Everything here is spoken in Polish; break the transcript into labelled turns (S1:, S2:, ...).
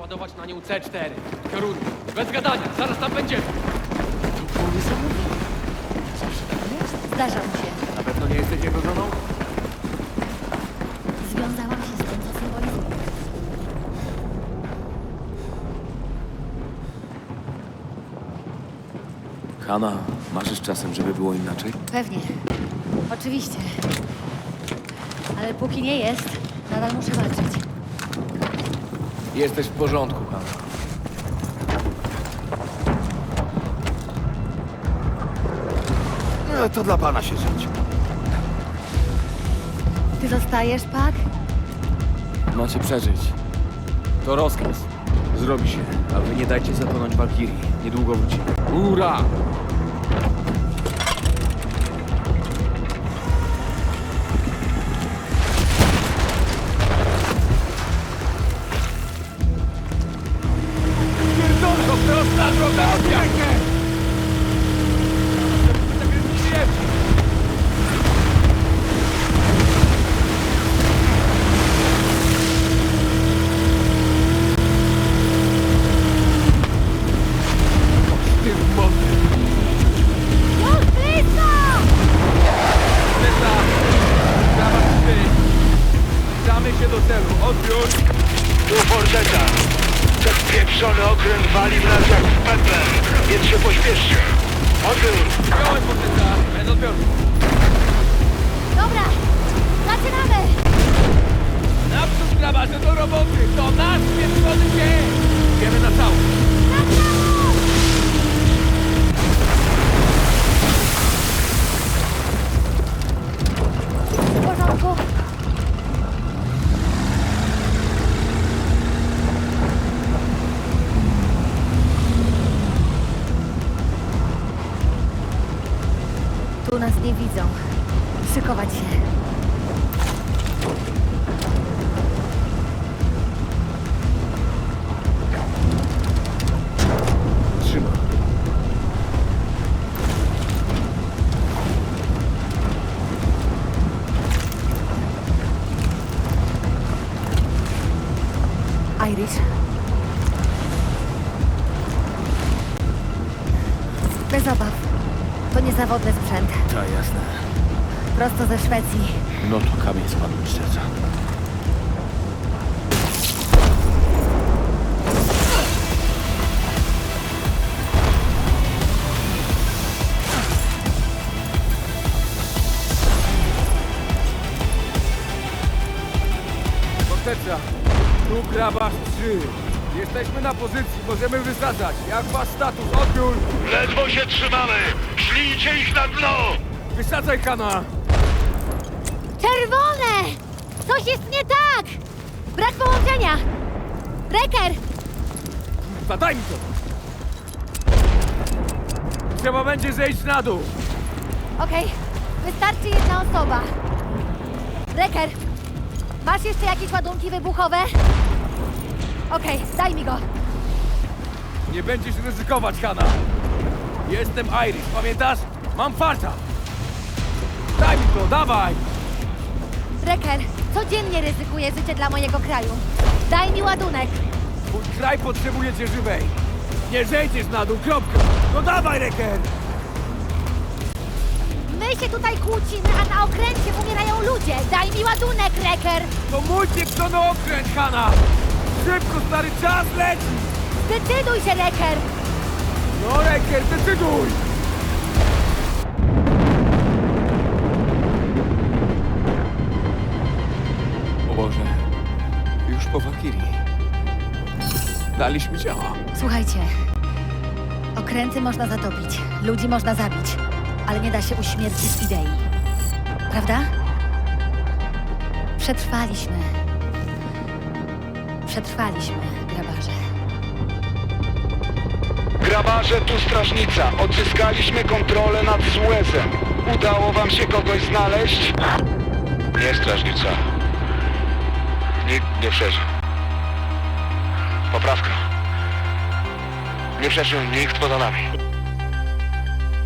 S1: naładować na nią C4. W kierunku. Bez gadania, zaraz tam będziemy.
S2: To było niesamowite. Zawsze tak jest.
S3: Zdarza mu się.
S1: Na pewno nie jesteś jego żoną?
S3: Związałam się z tym, co symbolizuje.
S2: Hanna, marzysz czasem, żeby było inaczej?
S3: Pewnie. Oczywiście. Ale póki nie jest, nadal muszę walczyć.
S2: Jesteś w porządku, Hanna.
S4: To dla pana się żyć.
S3: Ty zostajesz, Pak?
S2: Macie przeżyć. To rozkaz. Zrobi się, a wy nie dajcie zatonąć Walkirii. Niedługo wróci.
S1: Ura! Pierdolko, prosta droga od jakie!
S3: Już blisko!
S1: Zbliżamy się do celu. Odbiór!
S5: Tu Forteta. Ten pieprzony okręt wali w nas jak w pepę, więc się pośpieszcie. Odbiór.
S1: Przyjąłem potyka. Bez odbioru.
S3: Dobra, zaczynamy!
S1: Naprzód grabarze do roboty. To nasz pieprzony dzień. Wiemy na całość.
S3: W porządku. Tu nas nie widzą. Szykować się.
S2: Trzyma.
S3: Irish. Bez obaw. To niezawodny sprzęt.
S2: Ta, jasne.
S3: Prosto ze Szwecji.
S2: No to kamień spadł mi z serca.
S1: Forteca. Tu grabarz 3. Jesteśmy na pozycji. Możemy wysadzać. Jak wasz status? Odbiór!
S5: Ledwo się trzymamy. Szlijcie ich na dno.
S1: Wysadzaj, Hanna!
S3: Czerwone! Coś jest nie tak! Brak połączenia! Reker!
S1: Zadaj mi to! Trzeba będzie zejść na dół.
S3: Okej, wystarczy jedna osoba. Reker, masz jeszcze jakieś ładunki wybuchowe? Okej, daj mi go.
S1: Nie będziesz ryzykować, Hanna. Jestem Irish, pamiętasz? Mam farta. Daj mi to, dawaj!
S3: Reker, codziennie ryzykuję życie dla mojego kraju. Daj mi ładunek.
S1: Mój kraj potrzebuje cię żywej. Nie zejdziesz na dół, kropka. No dawaj, Reker!
S3: My się tutaj kłócimy, a na okręcie umierają ludzie. Daj mi ładunek, Reker.
S1: To mój pieprzony okręt, Hanna! Szybko, stary, czas leci!
S3: Zdecyduj się, Reker.
S1: No, Reker, decyduj!
S2: O Boże. Już po Walkirii. Daliśmy ciała.
S3: Słuchajcie, okręty można zatopić, ludzi można zabić, ale nie da się uśmiercić idei. Prawda? Przetrwaliśmy. Przetrwaliśmy, grabarze.
S5: Grabarze, tu strażnica. Odzyskaliśmy kontrolę nad Suezem. Udało wam się kogoś znaleźć? Nie, strażnica. Nikt nie przeżył. Poprawka. Nie przeżył nikt poza nami.